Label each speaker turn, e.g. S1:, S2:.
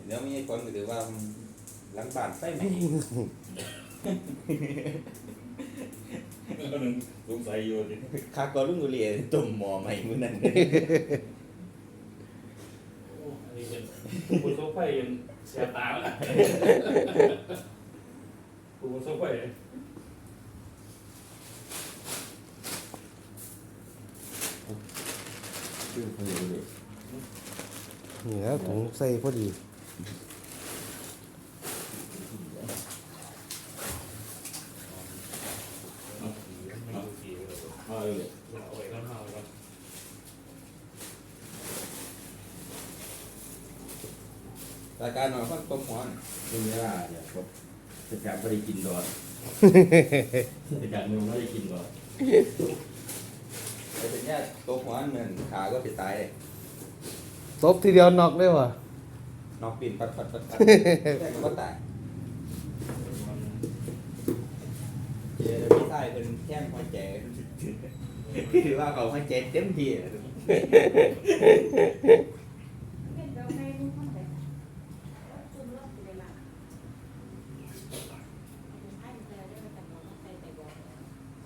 S1: เดี๋ยวมีคนก็ถือว่าหลังบ้านไฟไหม้
S2: ก็นึงสงสัยอยู่ดิ
S1: คากอรุ่งกุเรียตุ่มหมอใหม่มื้อนั้น
S2: อันนี้เป็นคุณโซ่ไฟยังเสียตาละคุณโซ่ไฟ
S1: ชื่อเขาอยู่เลย
S3: นี่นะถุงใส่พอดี
S2: เอาเลยเอาไว้ก่อนเอาไว้ก่อน
S1: รายการหน่อยก็ต้มหัวน่ะ
S4: เป็นเวลาเนี่ยครับจะจับไม่ได้กินดอดจะจับมึงไม่ได้กินดอด
S1: แต่เป็นแค่ต้มหัวเหมือนขาก็จะตายเลย
S3: ตบทีเดียวนอกได้ว่ะ
S1: นอกปีนปัดแต่ก็ตายเจอพี่ชายเป็นแข้งหัวใจถือว่าเขาหัวใจเต็มที่